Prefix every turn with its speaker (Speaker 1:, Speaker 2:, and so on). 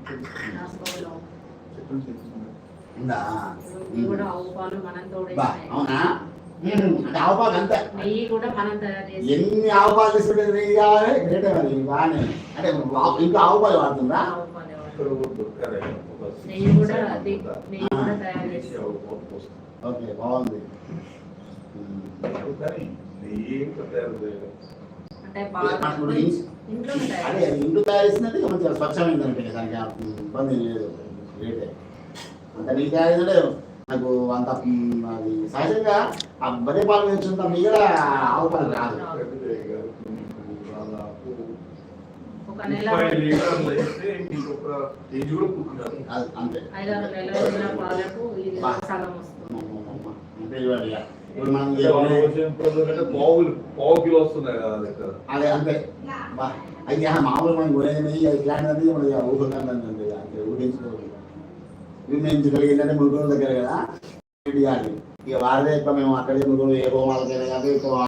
Speaker 1: ఉందా
Speaker 2: ఇవి కూడా ఆవు పాలు మనం
Speaker 1: అవునా అంటే ఆవు పాలు అంతే
Speaker 2: నెయ్యి కూడా మనం తయారు చేసి
Speaker 1: ఎన్ని ఆవు పాలు తీసుకుంటే నెయ్యి కావాలి గ్రేటే మరి బాగానే అంటే ఇంకా ఆవు పాలు వాడుతుందా
Speaker 2: ఆవు పాలు నెయ్యి కూడా తయారు చేసి
Speaker 1: ఓకే బాగుంది
Speaker 2: అంటే
Speaker 1: అదే ఇంట్లో తయారు చేసినట్టు మంచిగా స్వచ్ఛమైందంటే దానికి ఇబ్బంది లేదు గ్రేటే అంత నీకు తయారు నాకు అంత అది సహజంగా ఆ బరే పాలు వేస్తుంటా మిగడ ఆవు పాలు రాదు అంతే ఇప్పుడు మనం అదే అంతే అయితే మామూలు మనం కొనేది ఇట్లాంటిది మనకి ఊహకండి ఊహించుకోవాలి వినియోగించగలిగిందంటే మురుగుల దగ్గర కదా ఇక వారిదే ఎక్కువ మేము అక్కడే మురుగులు ఏ హోమాలకైనా కానీ ఎక్కువ